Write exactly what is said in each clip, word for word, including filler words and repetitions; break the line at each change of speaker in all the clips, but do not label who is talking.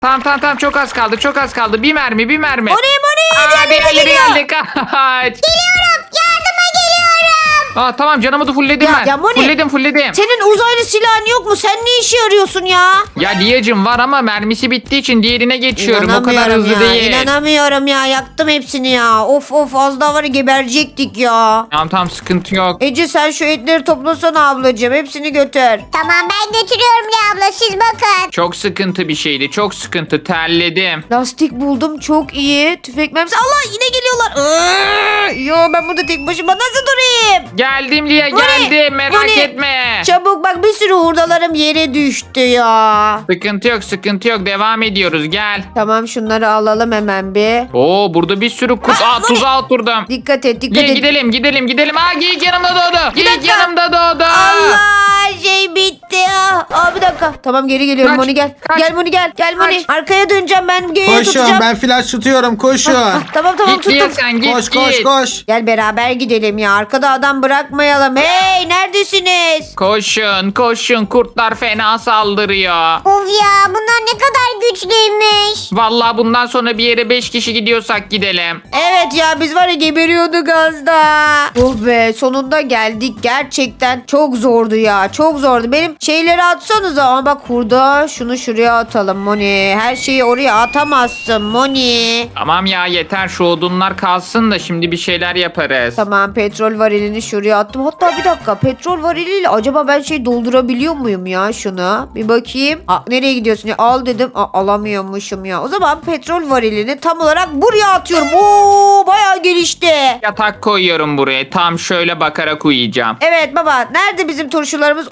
Tamam tamam tamam çok az kaldı çok az kaldı. Bir mermi bir mermi.
Moni Moni
Aa,
diğerleri
diğerleri
geliyor.
geldi kaç.
Geliyorum. Yardıma geliyorum.
Aa, tamam canımı fullledim
Ya,
ben.
ya Moni,
Fullledim fullledim.
Senin uzaylı silahın yok mu? Sen ne işe yarıyorsun ya?
Ya Liyacım var ama mermisi bittiği için diğerine geçiyorum. O kadar
İnanamıyorum
hızlı
ya,
değil.
İnanamıyorum ya. Yaktım hepsini ya. Of of az daha var ya geberecektik ya.
Tamam tamam sıkıntı yok.
Ece sen şu etleri toplasana ablacığım. Hepsini götür.
Tamam ben götürüyorum Lia abla siz bakın.
Çok sıkıntı bir şeydi. Çok sıkıntı. Terledim.
Lastik buldum çok iyi. Tüfek mermisi. Allah yine geliyorlar. Iıı, yo ben burada tek başıma nasıl durayım?
Geldim Liya
Moni,
geldim. Merak
Moni.
etme.
Çabuk bak bir sürü hurdalarım yere düştü ya.
Sıkıntı yok sıkıntı yok. Devam ediyoruz gel.
Tamam şunları alalım hemen bir.
Oo burada bir sürü kurt.
Aa,
Aa
Moni.
tuzağa oturdum.
Dikkat et dikkat
Liya
et.
gidelim gidelim gidelim. Aa geyik yanımda doğdu. Geyik
dakika.
yanımda doğdu.
Allah şey bitti ya. Aa bir dakika. Tamam geri geliyorum
Kaç,
Moni gel.
kaç,
Gel Moni gel. Gel Moni.
kaç.
Arkaya döneceğim ben geyiği
Koşun
tutacağım.
ben flash tutuyorum koşun.
Ah, tamam tamam
Git Liya
tuttum.
sen git
koş
git.
koş koş.
Gel beraber gidelim ya. Arkada adam bırakmayalım. Hey neredesiniz?
Koşun koşun kurtlar fena saldırıyor.
Of ya bunlar ne kadar güçlüymüş.
Vallahi bundan sonra bir yere beş kişi gidiyorsak gidelim.
Evet ya biz var ya geberiyorduk az daha. Oh be sonunda geldik. Gerçekten çok zordu ya. Çok zordu. Benim şeyleri atsanıza. Ama bak hurda şunu şuraya atalım Moni. Her şeyi oraya atamazsın Moni.
Tamam ya yeter şu odunlar kalsın da şimdi bir şeyler yaparız.
Tamam petrol varilini şuraya attım. Hatta bir dakika petrol variliyle acaba ben şey doldurabiliyor muyum ya şunu? Bir bakayım. Aa, nereye gidiyorsun ya? Al dedim. Aa, alamıyormuşum ya. O zaman petrol varilini tam olarak buraya atıyorum. Oo bayağı gelişti.
Yatak koyuyorum buraya. Tam şöyle bakarak uyuyacağım.
Evet baba nerede bizim turşularımız?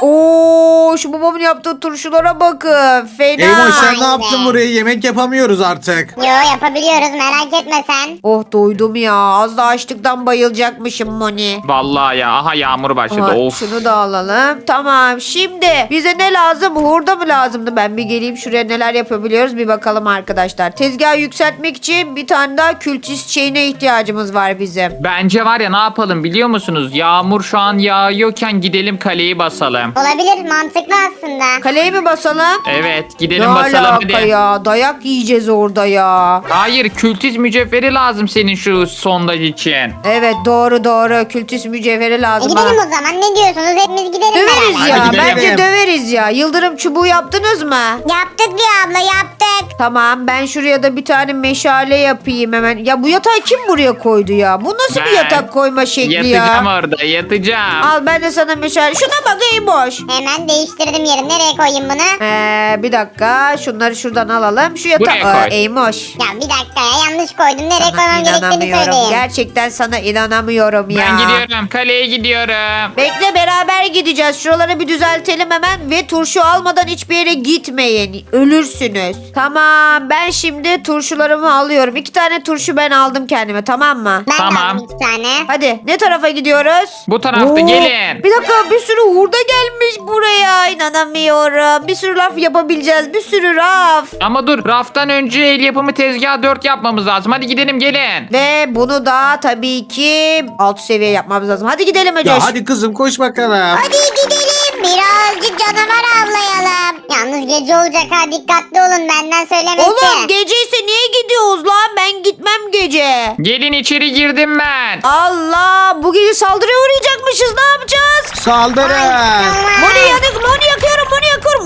Oo şu babamın yaptığı turşulara bakın. Fena.
Eymoş sen
Aynen.
ne yaptın buraya? Yemek yapamıyoruz artık.
Yo yapabiliyoruz merak etme sen.
Oh doydum ya. Az da açlıktan bayılacakmışım Moni.
Vallahi ya aha yağmur başladı.
Aha,
Of.
şunu da alalım. Tamam şimdi bize ne lazım? Hurda mı lazımdı? Ben bir geleyim şuraya neler yapabiliyoruz bir bakalım arkadaşlar. Tezgahı yükseltmek için bir tane daha kültist şeyine ihtiyacımız var bizim.
Bence var ya ne yapalım biliyor musunuz? Yağmur şu an yağıyorken gidelim kaleyi basalım.
Olabilir mantıklı aslında.
Kaleye mi basalım?
Evet
Ne
gidelim basalım
alaka
hadi.
ya? Dayak yiyeceğiz orada ya.
Hayır kültiz mücevheri lazım senin şu sondaj için.
Evet doğru doğru. Kültist mücevheri
E
lazım
gidelim
bana.
o zaman ne diyorsunuz hepimiz gidelim
Döveriz
beraber.
ya.
Hadi gidelim.
Bence döveriz ya. Yıldırım çubuğu yaptınız mı?
Yaptık Lia abla yaptık.
Tamam ben şuraya da bir tane meşale yapayım hemen. Ya bu yatağı kim buraya koydu ya? Bu nasıl bir
Ben
yatak koyma şekli
Yatacağım
ya?
orada yatacağım.
Al ben de sana meşale. Şuna bak iyi boş.
Hemen değiştirdim yerini. Nereye koyayım bunu?
Ee, bir dakika şunları şuradan alalım. Şu yatağı.
Buraya koy.
Aa, Eymoş.
Ya bir dakika ya yanlış koydum. Nereye
Sana
koymam gerektiğini
inanamıyorum.
söyleyin.
Gerçekten sana inanamıyorum ya.
Ben gidiyorum kaleye gidiyorum.
Bekle beraber gideceğiz. Şuraları bir düzeltelim hemen ve turşu almadan hiçbir yere gitmeyin. Ölürsünüz. Tamam ben şimdi turşularımı alıyorum. İki tane turşu ben aldım kendime tamam mı?
Ben de
Tamam.
aldım iki tane.
Hadi ne tarafa gidiyoruz?
Bu tarafta
Oo,
gelin.
Bir dakika bir sürü hurda gelmiş buraya. İnanamıyorum. Bir sürü raf yapabileceğiz. Bir sürü raf.
Ama dur raftan önce el yapımı tezgah dört yapmamız lazım. Hadi gidelim gelin.
Ve bunu da tabii ki alt seviye yapmamız lazım. Hadi gidelim Eceş.
Ya hadi kızım koş bakalım.
Hadi gidelim. Birazcık canavar avlayalım. Yalnız gece olacak ha dikkatli olun benden söylemesi.
Oğlum geceyse niye gidiyoruz lan? Ben gitmem gece.
Gelin içeri girdim ben.
Allah bu gece saldırıya uğrayacakmışız. Ne yapacağız?
Saldırın.
Moni yanık, Moni yakıyorum, Moni yakıyorum.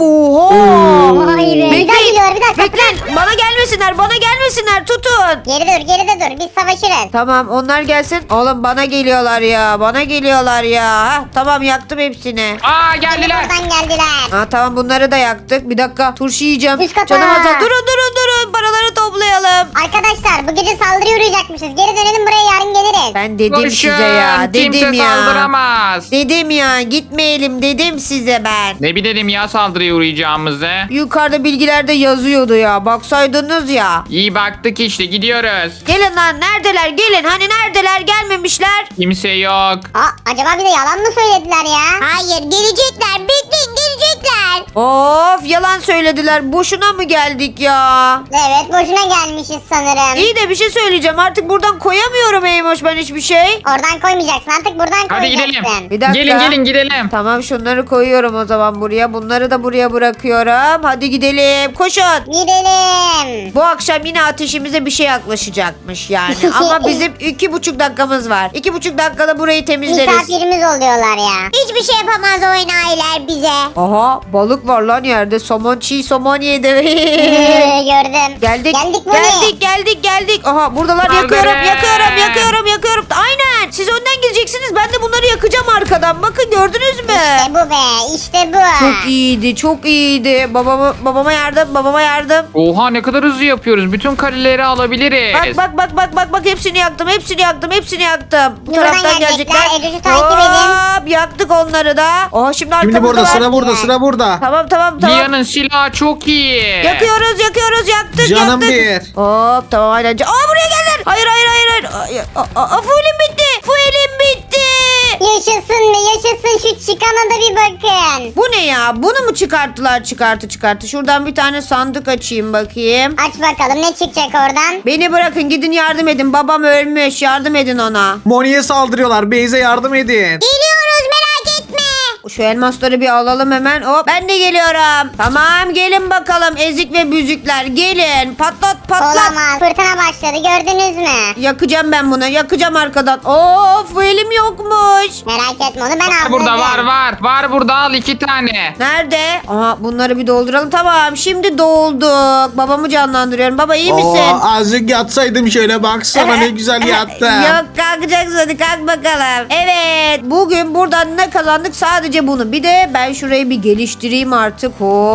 Oha.
Vay be. Bir daha geliyor bir dakika.
Bekleyin. Bana gelmesinler, bana gelmesinler. Tutun.
Geri dur geri de dur biz savaşırız.
Tamam onlar gelsin. Oğlum bana geliyorlar ya. Bana geliyorlar ya. Hah, tamam yaktım hepsini.
Aa
Şimdi
geldiler.
buradan geldiler.
Ha tamam bunları da yaktık. Bir dakika turşu yiyeceğim.
Üst kata.
Canım azal. Durun durun durun. Paraları toplayalım.
Arkadaşlar bu gece saldırıya uğrayacakmışız. Geri dönelim buraya yarın geliriz.
Ben dedim
Koşun.
size ya. Dedim
Kimse
ya.
saldıramaz.
Dedim ya gitmeyelim dedim size ben.
Ne bilelim ya saldırıya uğrayacağımızı.
Yukarıda bilgilerde yazıyordu ya. Baksaydınız ya.
İyi baktık işte gidiyoruz.
Gelin lan neredeler gelin. Hani neredeler gelmemişler.
Kimse yok.
Aa, acaba bize yalan mı söylediler ya? Hayır gelecekler bekleyin gelecekler.
Of yalan söylediler. Boşuna mı geldik ya?
Evet boşuna gelmişiz sanırım.
İyi de bir şey söyleyeceğim. Artık buradan koyamıyorum Eymoş ben hiçbir şey.
Oradan koymayacaksın artık buradan
Hadi
koyacaksın.
gidelim.
Bir dakika.
Gelin gelin gidelim.
Tamam şunları koyuyorum o zaman buraya. Bunları da buraya bırakıyorum. Hadi gidelim. Koşun.
Gidelim.
Bu akşam yine ateşimize bir şey yaklaşacakmış yani. Ama bizim iki buçuk dakikamız var. İki buçuk dakikada burayı temizleriz.
Misafirimiz oluyorlar ya. Hiçbir şey yapamaz o enayiler bize.
Aha balık var lan yerde. Somon çiğ somon yedi.
Gördüm.
Geldik.
Geldik buraya.
Geldik geldik geldik. Aha buradalar
Saldırın.
yakıyorum yakıyorum yakıyorum yakıyorum. Aynen. Siz önden gideceksiniz. Ben de bunları yakacağım arkadan. Bakın gördünüz mü?
İşte bu be işte bu.
Çok iyiydi çok iyiydi. Babama, babama yardım babama yardım.
Oha ne kadar hızlı yapıyoruz. Bütün kaleleri alabiliriz.
Bak bak bak bak bak bak hepsini yaktım hepsini yaktım hepsini yaktım. Bu
Buradan
taraftan
gelecekler.
gelecekler.
Ecoş'u takip edin.
Hop yaktık onları da. Oha şimdi arkamızda
Şimdi burada
var.
sıra burada sıra burada.
Tamam tamam tamam.
Lia'nın silahı çok iyi.
Yakıyoruz yakıyoruz yaktık
Canım
yaktık.
bir.
Hop tamam aynen. Aa buraya geldiler. Hayır hayır hayır. hayır. Aa, aa, aa, fuelim bitti. Fuelim bitti.
Yaşasın be yaşasın şu çıkana da bir bakın.
Bu ne ya? Bunu mu çıkarttılar çıkartı çıkartı? Şuradan bir tane sandık açayım bakayım.
Aç bakalım ne çıkacak oradan.
Beni bırakın gidin yardım edin. Babam ölmüş. Yardım edin ona.
Moni'ye saldırıyorlar. Beyze yardım edin.
Geliyoruz merak etme.
Şu elmasları bir alalım hemen. Hop ben de geliyorum. Tamam gelin bakalım ezik ve büzükler. Gelin patlat patlat.
Olamaz fırtına başladı gördünüz mü?
Yakacağım ben bunu. Yakacağım arkadan. Of bu elim yokmuş.
Merak etme onu ben
Var
aldım.
burada var var. Var burada al iki tane.
Nerede? Aha bunları bir dolduralım. Tamam şimdi dolduk. Babamı canlandırıyorum. Baba iyi misin?
Oo, azıcık yatsaydım şöyle baksana ne güzel yattım.
Yok kalkacaksın hadi kalk bakalım. Evet bugün buradan ne kazandık sadece bunu. Bir de ben şurayı bir geliştireyim artık.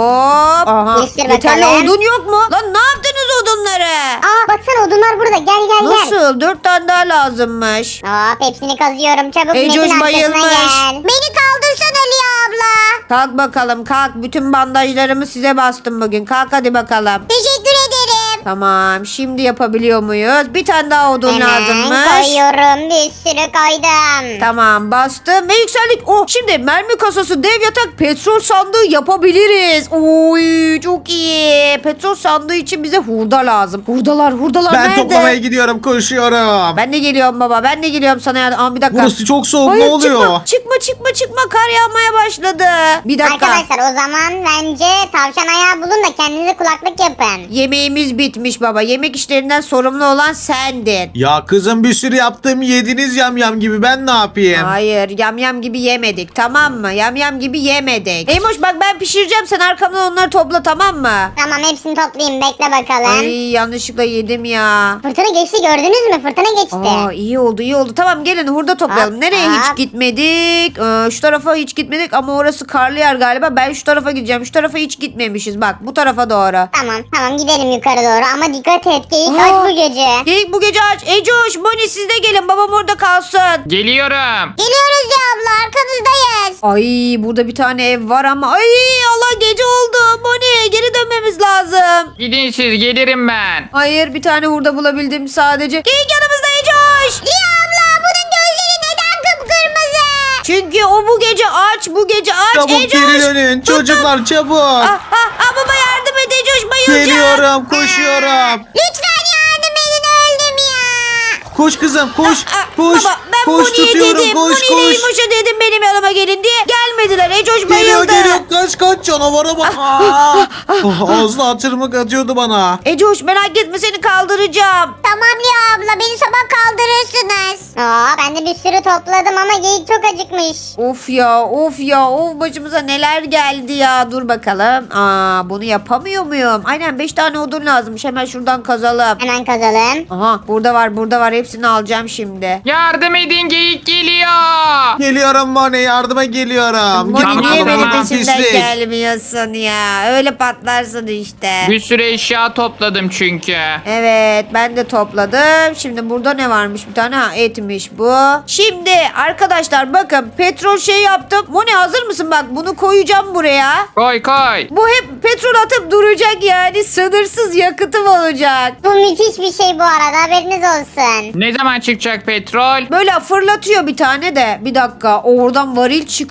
Hop. Aha.
Geliştir
Yeterli
bakalım.
odun yok mu? Lan ne yaptınız odunları?
Aa baksana odunlar burada gel gel gel.
Nasıl? Dört tane daha lazımmış.
Hop hepsini kazıyorum çabuk
Ey,
Metin
Coş
arkasına
bayılmış.
gel. Beni kaldırsana Liya abla.
Kalk bakalım kalk. Bütün bandajlarımı size bastım bugün. Kalk hadi bakalım.
Teşekkür ederim.
Tamam şimdi yapabiliyor muyuz? Bir tane daha odun
Hemen
lazımmış.
koyuyorum bir sürü koydum.
Tamam bastım ve yükseldik. Oh şimdi mermi kasası, dev yatak, petrol sandığı yapabiliriz. Oy çok iyi. Petrol sandığı için bize hurda lazım. Hurdalar hurdalar
Ben
nerede?
toplamaya gidiyorum koşuyorum.
Ben de geliyorum baba. Ben de geliyorum sana yardım. Aa, bir dakika.
Burası çok soğuk
Hayır,
ne oluyor?
Çıkma, çıkma çıkma çıkma. Kar yağmaya başladı. Bir dakika.
Arkadaşlar o zaman bence tavşan ayağı bulun da kendinize kulaklık yapın.
Yemeğimiz bitmiş baba. Yemek işlerinden sorumlu olan sendin.
Ya kızım bir sürü yaptım yediniz yamyam gibi ben ne yapayım?
Hayır yamyam gibi yemedik tamam mı? Yamyam gibi yemedik. Eymoş bak ben pişireceğim sen arkamdan onları topla tamam mı?
Tamam hepsini toplayayım bekle bakalım.
Ay yanlışlıkla yedim ya.
Fırtına geçti gördünüz mü? Fırtına geçti.
Aa iyi oldu iyi oldu. Tamam gelin hurda toplayalım.
Hop,
Nereye
hop.
hiç gitmedik? Ee, şu tarafa hiç gitmedik ama orası karlı yer galiba. Ben şu tarafa gideceğim. Şu tarafa hiç gitmemişiz. Bak bu tarafa doğru.
Tamam tamam gidelim yukarı doğru ama dikkat et geyik
Aa.
aç bu gece.
Geyik bu gece aç. Ecoş, Moni siz de gelin. Babam orada kalsın.
Geliyorum.
Geliyoruz ya abla arkanızdayız.
Ay burada bir tane ev var ama. Ay Allah gece oldu. Moni geri dönmemiz lazım.
Gidin siz gelirim ben.
Hayır bir tane hurda bulabildim sadece. Geyik yanımızda Ecoş.
Liya abla bunun gözleri neden kıpkırmızı?
Çünkü o bu gece aç. Bu gece aç.
Çabuk
Ecoş.
geri dönün çocuklar çabuk.
Ah, ah, ah, baba yardım et Ecoş bayılacağım.
Geliyorum koşuyorum.
Lütfen yardım edin öldüm ya.
Koş kızım koş
Ah,
koş.
Baba ben
koş
Moni'ye
tutuyorum
dedim.
koş
Moni'yle
koş.
İmoş'a dedim benim yanıma gelin diye. Gelmediler. Ecoş
Geliyor
bayıldı.
geliyor kaç kaç canavara bak. Aa. Oh, ağzına atırmak atıyordu bana.
Ecoş merak etme seni kaldıracağım.
Tamam Liya abla beni sabah kaldırırsınız. Aa ben de bir sürü topladım ama geyik çok acıkmış.
Of ya of ya of başımıza neler geldi ya. Dur bakalım. Aa bunu yapamıyor muyum? Aynen beş tane odun lazımmış. Hemen şuradan kazalım.
Hemen kazalım.
Aha burada var burada var. Hepsini alacağım şimdi.
Yardım edin geyik geliyor.
Geliyorum Moni yardıma geliyorum.
Moni
Tamam,
niye benim
tamam,
peşimden
pislik.
gelmiyorsun ya? Öyle patlarsın işte.
Bir sürü eşya topladım çünkü.
Evet ben de topladım. Şimdi burada ne varmış bir tane? Ha etmiş bu. Şimdi arkadaşlar bakın petrol şey yaptım. Moni hazır mısın? Bak bunu koyacağım buraya.
Koy koy.
Bu hep petrol atıp duracak yani. Sınırsız yakıtım olacak.
Bu müthiş bir şey bu arada haberiniz olsun.
Ne zaman çıkacak petrol?
Böyle fırlatıyor bir tane de. Bir dakika oradan varil çıkıyor.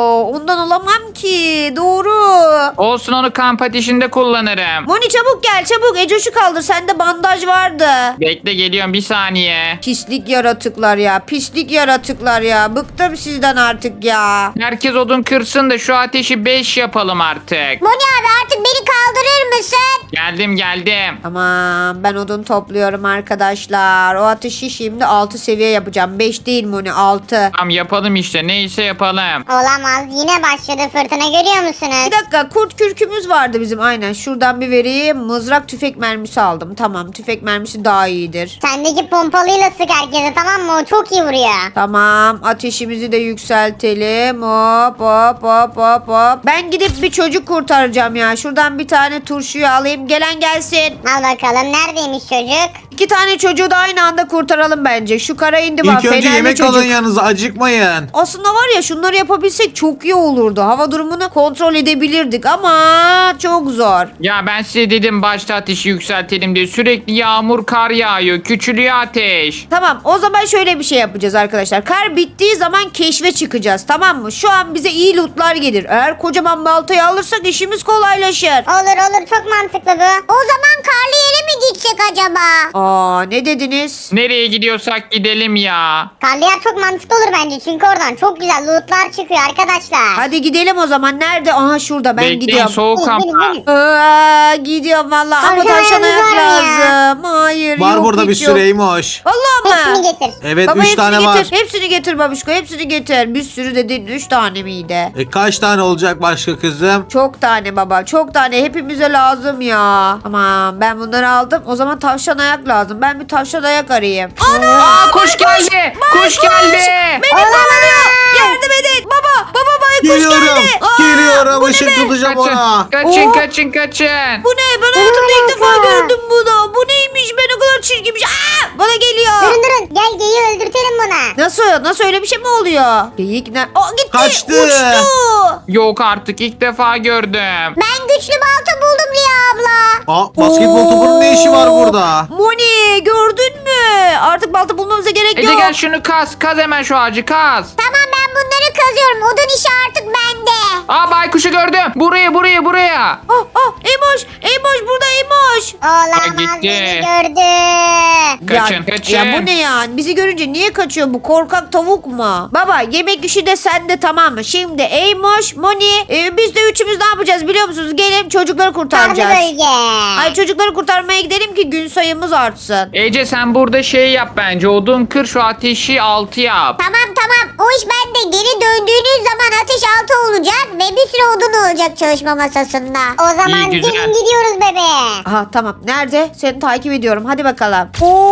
Ondan alamam ki. Doğru.
Olsun, onu kamp ateşinde kullanırım.
Moni çabuk gel çabuk. Ecoş'u kaldır. Sende bandaj vardı.
Bekle, geliyorum bir saniye.
Pislik yaratıklar ya. Pislik yaratıklar ya. Bıktım sizden artık ya.
Herkes odun kırsın da şu ateşi beş yapalım artık.
Moni abi artık beni kaldırır mısın?
Geldim geldim.
Tamam ben odun topluyorum arkadaşlar. O ateşi şimdi altı seviye yapacağım. beş değil Moni altı.
Tamam yapalım işte, neyse yapalım.
Olamaz, yine başladı fırtına, görüyor musunuz?
Bir dakika kurt kürkümüz vardı bizim aynen. Şuradan bir vereyim. Mızrak tüfek mermisi aldım. Tamam tüfek mermisi daha iyidir.
Sendeki pompalıyla sık herkese, tamam mı? O çok iyi vuruyor.
Tamam ateşimizi de yükseltelim. Hop hop hop hop hop. Ben gidip bir çocuk kurtaracağım ya. Şuradan bir tane turşuyu alayım. Gelen gelsin.
Al bakalım, neredeymiş çocuk?
İki tane çocuğu da aynı anda kurtaralım bence. Şu kara indi bak.
İlk önce
fenerli
yemek
çocuk.
alın yanınıza, acıkmayın.
Aslında var ya şunları yapabilsek çok iyi olurdu. Hava durumunu kontrol edebilirdik ama çok zor.
Ya ben size dedim başta ateşi yükseltelim diye, sürekli yağmur kar yağıyor, küçülüyor ateş.
Tamam o zaman şöyle bir şey yapacağız arkadaşlar. Kar bittiği zaman keşfe çıkacağız tamam mı? Şu an bize iyi lootlar gelir. Eğer kocaman baltayı alırsak işimiz kolaylaşır.
Olur olur, çok mantıklı bu. O zaman karlı yere mi gitsek acaba?
Aa ne dediniz?
Nereye gidiyorsak gidelim ya.
Karlı yer çok mantıklı olur bence, çünkü oradan çok güzel lootlar çıkıyor arkadaşlar.
Hadi gidelim o zaman. Nerede? Aha şurada ben
Bekleyin,
gidiyorum.
soğuk
Benim,
ama.
benim, benim.
Aa, gidiyorum valla ama
Tavşan
tavşan ayak
ayağımız var mı ya?
lazım. Hayır
Var
yok
burada bir
hiç yok.
süreymiş.
Vallahi
Hepsini
mı?
getir.
Evet
Baba
üç
hepsini
tane
getir.
var.
Hepsini getir babuşko. Hepsini getir. Bir sürü dedin. Üç tane miydi?
E, kaç tane olacak başka kızım?
Çok tane baba. Çok tane. Hepimize lazım ya. Aman ben bunları aldım. O zaman tavşan ayak lazım. Ben bir tavşan ayak arayayım. Ana!
Aa, kuş geldi. Kuş geldi.
Beni kovalıyor. Yardım edin. Baba. Baba baykuş
Geliyorum.
geldi. Aa,
Geliyorum.
bu ne
Işık
be?
tutacağım
Kaçın,
ona.
kaçın,
Oo.
kaçın, kaçın.
Bu ne? Ben hayatımda ilk defa gördüm bunu. Bu neymiş? Ben o kadar çirkinmiş. Aa, bana geliyor.
Durun durun, gel geyiği öldürtelim buna.
Nasıl? Nasıl öyle bir şey mi oluyor? Geyik ne? Aa gitti.
Kaçtı.
Uçtu.
Yok artık, ilk defa gördüm.
Ben güçlü balta buldum Lia abla.
Aa, basketbol topunun ne işi var burada?
Moni gördün mü? Artık balta bulmamıza gerek
Ece
yok.
gel şunu kaz. Kaz hemen şu ağacı kaz.
Tamam, ben bunları kazıyorum. Odun işi artık bende.
Aa, baykuşu gördüm. Buraya buraya buraya.
Ah ah Emoş. Emoş burada Emoş.
Olamaz,
gitti.
beni gördü.
Kaçın,
ya,
kaçın.
Ya bu ne ya? Bizi görünce niye kaçıyor bu korkak tavuk mu? Baba yemek işi de sende tamam mı? Şimdi Emoş, Moni e, biz de üçümüz ne yapacağız biliyor musunuz? Gelin çocukları
Karlı
kurtaracağız.
bölge.
Ay çocukları kurtarmaya gidelim ki gün sayımız artsın.
Ece sen burada şey yap bence. Odun kır, şu ateşi altı yap.
Tamam tamam, o iş bende. Geri döndüğünüz zaman ateş altı olacak ve bir sürü odun olacak çalışma masasında. O zaman
İyi, güzel.
gelin gidiyoruz bebeğe.
Aha tamam. Nerede? Seni takip ediyorum. Hadi bakalım.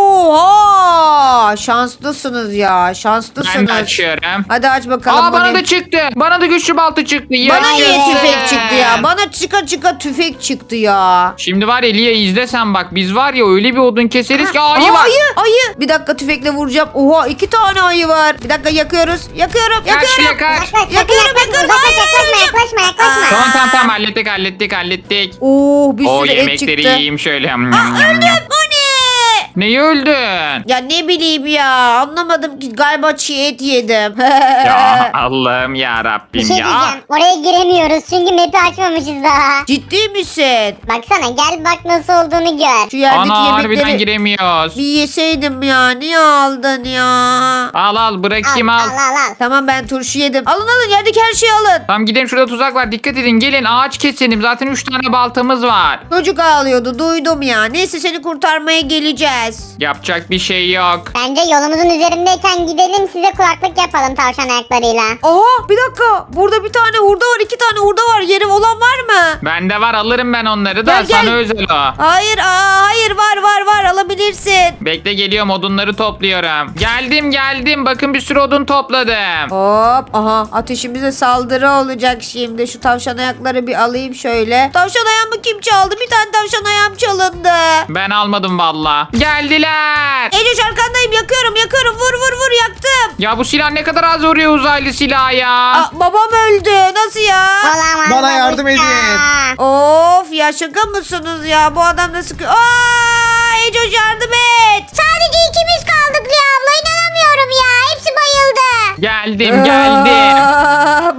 Oha! Şanslısınız ya. Şanslısınız.
Ben de açıyorum.
Hadi aç bakalım.
Aa, bana
Moni.
da çıktı. Bana da güçlü balta çıktı.
Bana niye
Yaşasın.
tüfek çıktı ya? Bana çıka çıka tüfek çıktı ya.
Şimdi var ya Lia, izlesen bak, biz var ya öyle bir odun keseriz ki ayı
Aa,
var.
ayı, ayı. Bir dakika tüfekle vuracağım. Oha iki tane ayı var. Bir dakika yakıyoruz. Yakıyorum.
Kaç
Yakıyorum.
Lia kaç.
Yaklaş, sakın
Yakıyorum,
yaklaşma,
yakıyorum.
uzaklaş,
Hayır,
yaklaşma, yaklaşma, yaklaşma.
Tamam tamam tamam, hallettik hallettik hallettik.
Oo bir
O
sürü et
yemekleri
çıktı.
yiyeyim şöyle.
Aa, öldüm. Moni.
Neyi öldün?
Ya ne bileyim ya. Anlamadım ki. Galiba çiğ et yedim.
Ya Allah'ım ya
Bir
Rabbim
şey
ya.
diyeceğim. Oraya giremiyoruz çünkü map'i açmamışız daha.
Ciddi misin?
Baksana, gel bak nasıl olduğunu gör.
Şu yerdeki
Ana harbiden
yemekleri
giremiyoruz.
bir yeseydim ya. Niye aldın ya?
Al al,
Al
bırakayım
al
al.
al al.
Tamam ben turşu yedim. Alın alın yerdeki her şeyi alın.
Tamam gidelim, şurada tuzak var, dikkat edin, gelin ağaç keselim, zaten üç tane baltamız var.
Çocuk ağlıyordu duydum ya. Neyse seni kurtarmaya geleceğiz.
Yapacak bir şey yok.
Bence yolumuzun üzerindeyken gidelim, size kulaklık yapalım tavşan ayaklarıyla.
Aa bir dakika. Burada bir tane hurda var. iki tane hurda var. Yerim olan var mı?
Bende var, alırım ben onları da,
Gel, gel.
sana özel o.
Hayır aa, hayır var var var alabilirsin.
Bekle, geliyorum, odunları topluyorum. Geldim geldim, bakın bir sürü odun topladım.
Hop aha ateşimize saldırı olacak şimdi. Şu tavşan ayakları bir alayım şöyle. Tavşan ayağımı kim çaldı? Bir tane tavşan ayağım çalındı.
Ben almadım valla. Geldiler.
Ecoş arkandayım yakıyorum yakıyorum vur vur vur yaktım.
Ya bu silah ne kadar az vuruyor, uzaylı silah ya.
Aa, babam öldü nasıl ya?
Olamaz.
Bana yardım
babuşka.
edin.
Of ya şaka mısınız ya bu adam da sıkıyor. Aa Ecoş yardım et.
Sadece ikimiz kaldık Lia abla, inanamıyorum ya. Hepsi bayıldı.
Geldim geldim.
Aa,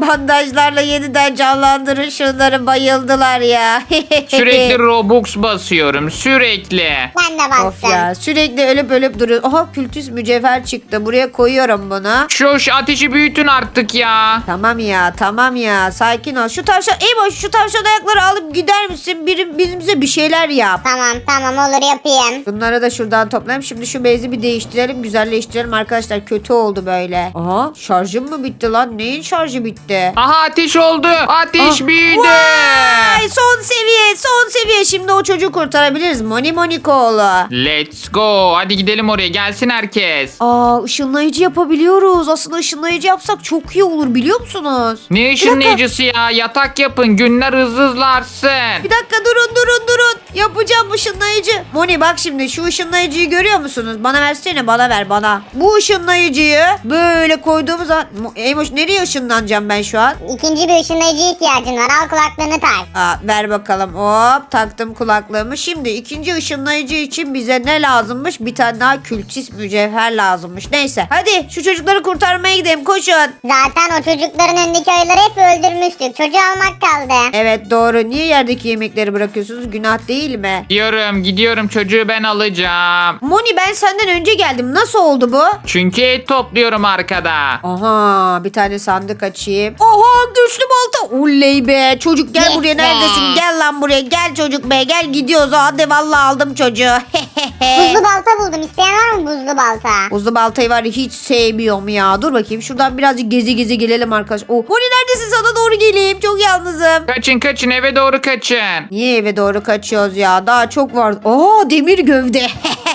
bandajlarla yeniden canlandırın şunları, bayıldılar ya.
Sürekli Robux basıyorum sürekli.
Ben de
Of
bastım.
ya, sürekli ölüp ölüp duruyor. Aha, kültüs mücevher çıktı. Buraya koyuyorum bunu.
Şu, şu ateşi büyütün artık ya.
Tamam ya, tamam ya, sakin ol. Şu tavşan, Eymoş, şu tavşan ayakları alıp gider misin? Biri bizimize bir şeyler yap.
Tamam tamam olur yapayım.
Bunları da şuradan toplayayım. Şimdi şu bezi bir değiştirelim, güzelleştirelim arkadaşlar. Kötü oldu böyle. Aha, şarjım mı bitti lan? Neyin şarjı bitti?
Aha ateş oldu. Ateş
Ah,
büyüdü.
Vay, son seviye, son seviye. Şimdi o çocuğu kurtarabiliriz. Moni Monikoğlu.
Let's go. Hadi gidelim oraya. Gelsin herkes.
Aa, ışınlayıcı yapabiliyoruz. Aslında ışınlayıcı yapsak çok iyi olur, biliyor musunuz?
Ne ışınlayıcısı ya? Yatak yapın. Günler hızlı hızlı artsın.
Bir dakika, durun durun durun. Yapacağım ışınlayıcı. Moni bak şimdi, şu ışınlayıcıyı görüyor musunuz? Bana versene, bana ver bana. Bu ışınlayıcıyı böyle koyduğumuz zaman... Eymoş, nereye ışınlanacağım ben şu an?
İkinci bir ışınlayıcıya ihtiyacın var. Al kulaklığını tak.
Aa, ver bakalım. Hop, taktım kulaklığımı. Şimdi ikinci ışınlayıcı için bize ne lazımmış? Bir tane daha kültis mücevher lazımmış. Neyse, hadi şu çocukları kurtarmaya gidelim, koşun.
Zaten o çocukların önündeki ayıları hep öldürmüştük. Çocuğu almak kaldı.
Evet, doğru. Niye yerdeki yemekleri bırakıyorsunuz? Günah değil mi?
Gidiyorum gidiyorum. Çocuğu ben alacağım.
Moni, ben senden önce geldim. Nasıl oldu bu?
Çünkü et topluyorum arkada.
Aha, bir tane sandık açayım. Aha, güçlü balta. Oley be. Çocuk gel
Yes
buraya,
be.
neredesin? Gel lan buraya. Gel çocuk be. Gel, gidiyoruz. Hadi vallahi aldım çocuğu.
Buzlu balta buldum. İsteyen var mı buzlu balta?
Buzlu baltayı var ya, hiç sevmiyorum ya. Dur bakayım, şuradan birazcık gezi gezi gelelim arkadaş. Oh, Moni neredesin? Sana doğru geleyim. Çok yalnızım.
Kaçın kaçın eve doğru kaçın.
Niye eve doğru kaçıyoruz ya? Daha çok var. Aa, demir gövde.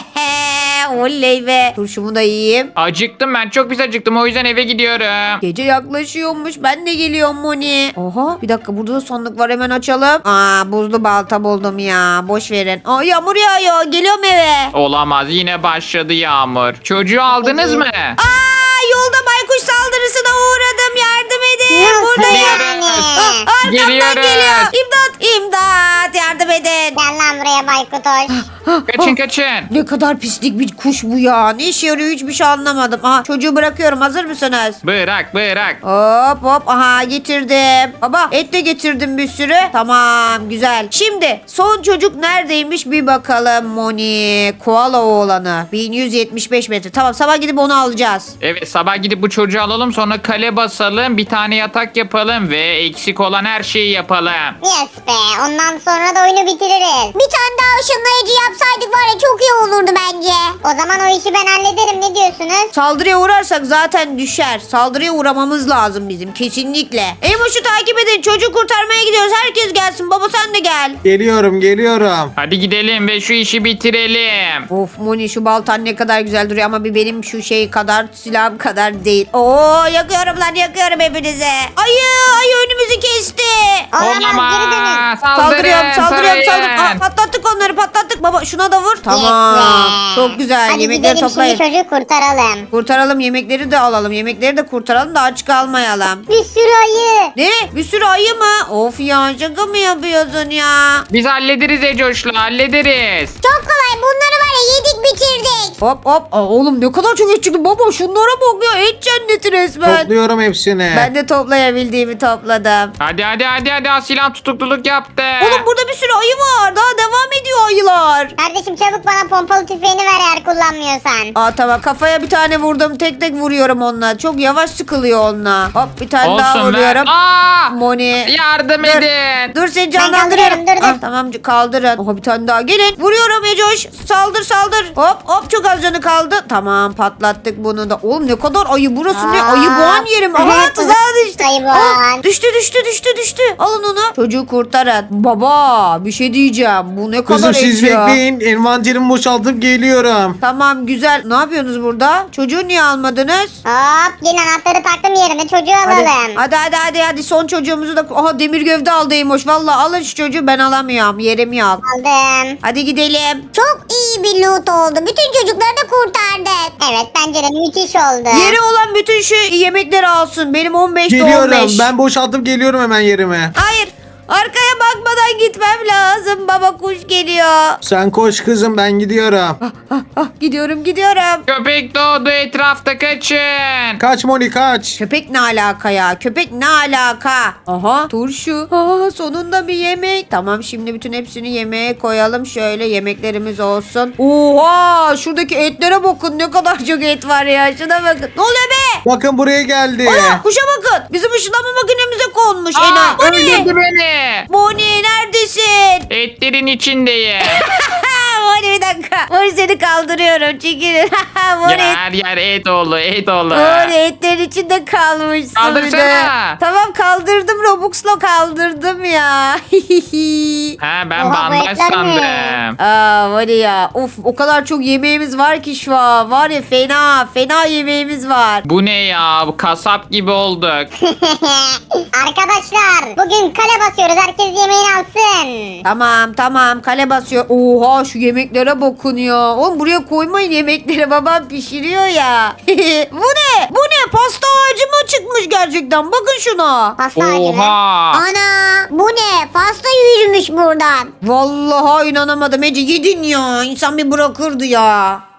Oley be. Turşumu da yiyeyim.
Acıktım ben. Çok pis acıktım. O yüzden eve gidiyorum.
Gece yaklaşıyormuş. Ben de geliyorum Moni. Oha, bir dakika, burada da sandık var, hemen açalım. Aa, buzlu balta buldum ya. Boş verin. Aa, yağmur yağıyor. Geliyorum eve.
Olamaz. Yine başladı yağmur. Çocuğu aldınız mı?
Aa, yolda baykuş saldırısına uğradım. Yardım edin.
Nasıl
Buradayım.
yani?
Aa, arkamdan
Geliyorum.
geliyor. İmdat. İmdat. Yardım edin.
Gel lan buraya Baykutoş.
Kaçın kaçın.
Ne kadar pislik bir kuş bu ya. Ne işe yarıyor, hiçbir şey anlamadım. Aha, çocuğu bırakıyorum. Hazır mısınız?
Bırak bırak.
Hop hop, aha getirdim. Baba, et de getirdim bir sürü. Tamam, güzel. Şimdi son çocuk neredeymiş bir bakalım Moni. Koala oğlanı. bin yüz yetmiş beş metre. Tamam, sabah gidip onu alacağız.
Evet sabah gidip bu çocuğu alalım sonra kale basalım bir tane yatak yapalım ve eksik olan her şeyi yapalım.
Yes be. Ondan sonra da oyunu bitiririz. Bir tane daha ışınlayıcı yapsaydık var ya, çok iyi olurdu bence. O zaman o işi ben hallederim. Ne diyorsunuz?
Saldırıya uğrarsak zaten düşer. Saldırıya uğramamız lazım bizim, kesinlikle. Emoş'u takip edin. Çocuğu kurtarmaya gidiyoruz. Herkes gelsin. Baba sen de gel.
Geliyorum geliyorum.
Hadi gidelim ve şu işi bitirelim.
Of Moni, şu baltan ne kadar güzel duruyor ama bir benim şu şey kadar, silahım kadar değil. Oo, yakıyorum lan, yakıyorum hepinize. Ayı, ayı önümüzü kesti.
Olamaz, geri dönün.
Olamaz.
Saldırıyorum,
Saldırın.
saldırıyorum,
tarayın.
saldırıyorum. Aa, patlattık onları, patlattık. Baba şuna da vur.
Yes
Tamam.
be.
Çok güzel.
Hadi
Yemekleri
gidelim
toplayın.
şimdi çocuğu kurtaralım.
Kurtaralım, yemekleri de alalım. Yemekleri de kurtaralım da aç kalmayalım.
Bir sürü ayı.
Ne? Bir sürü ayı mı? Of ya, şaka mı yapıyorsun ya?
Biz hallederiz Ecoş'la hallederiz.
Çok kolay. Bunları var ya yedik bitirdik.
Hop hop. Aa, oğlum ne kadar çok et çıktı. Baba şunlara bak ya. Et cenneti resmen.
Topluyorum hepsini.
Ben de toplayabildiğimi topladım.
Hadi hadi hadi hadi Asilan tutukluluk yaptı.
Oğlum burada bir sürü ayı var. Daha devam ediyor ayılar.
Kardeşim çabuk bana pompalı tüfeğini ver eğer kullanmıyorsan.
Aa tamam, kafaya bir tane vurdum. Tek tek vuruyorum onunla. Çok yavaş sıkılıyor onunla. Hop, bir tane daha
Olsun ver.
vuruyorum.
Aa!
Moni.
Yardım
Dur.
edin.
Dur, seni
Ben
canlandırıyorum.
kaldırıyorum, dur, dur.
Ah, tamam, kaldırın. Oha, bir tane daha. Gelin. Vuruyorum Ecoş. Saldır saldır. Hop hop, çok az canı kaldı. Tamam, patlattık bunu da. Oğlum ne kadar ayı burası, ne
Aa.
ayı boğan yerim. Aha, tuzağa düştü.
Ayı
Aa,
boğan.
düştü düştü düştü düştü. Alın onu. Çocuğu kurtarın. Baba bir şey diyeceğim. Bu ne kadar
Kızım
et
siz
ya.
bekleyin. Envanterimi boşaltıp geliyorum.
Tamam, güzel. Ne yapıyorsunuz burada? Çocuğu niye almadınız?
Hop yine anahtarı taktım yerine çocuğu
Hadi,
alalım.
hadi hadi hadi hadi son çocuğumuzu da. Aha, demir gövde aldıymış. Vallahi alın şu çocuğu, ben alamıyorum. Yerim yok.
Aldım.
Hadi gidelim.
Çok iyi bir loot oldu. Bütün çocukları da kurtardık. Evet bence de müthiş oldu.
Yeri olan bütün şu yemekleri alsın. Benim on beşte on
Geliyorum.
beş.
Ben boşaltıp geliyorum hemen yerime.
Hayır. Arkaya bakmadan gitmem lazım. Baba kuş geliyor.
Sen koş kızım ben gidiyorum.
Ah, ah, gidiyorum gidiyorum.
Köpek doğdu etrafta kaçın.
Kaç Moni kaç.
Köpek ne alaka ya? Köpek ne alaka? Aha turşu. Aa, sonunda bir yemek. Tamam şimdi bütün hepsini yemeğe koyalım. Şöyle yemeklerimiz olsun. Oha şuradaki etlere bakın ne kadar çok et var ya. Şuna bakın. Ne oluyor be?
Bakın buraya geldi.
Ana kuşa bakın. Bizim ışınlanma makinemize konmuş.
Aa,
Ena. Bonnie.
öldürdü beni.
Bonnie neredesin?
Etlerin içindeyim.
Bonnie bir dakika. Bonnie seni kaldırıyorum. Çekilin.
ya
Bonnie.
her yer et oldu et oldu.
Bonnie etlerin içinde kalmışsın. bir de.
Kaldırsana.
Tamam kaldırdım. Robux'la kaldırdım ya.
Ha ben
Oha, bu
bandaj
etler ne?
sandım.
Aa var ya. Of o kadar çok yemeğimiz var ki şu an. Var ya fena. Fena yemeğimiz var.
Bu ne ya? Bu kasap gibi olduk.
Arkadaşlar bugün kale basıyoruz. Herkes yemeğini alsın.
Tamam tamam kale basıyor. Oha şu yemeklere bakın ya. Oğlum buraya koymayın yemekleri babam pişiriyor ya. Bu ne? Bu ne? Pasta ağacı mı çıkmış gerçekten? Bakın şuna.
Pasta ağacı mı?
Oha.
Ana bu ne? Pasta yürümüş buradan.
Vallahi inanamadım Ece yedin ya. İnsan bir bırakırdı ya.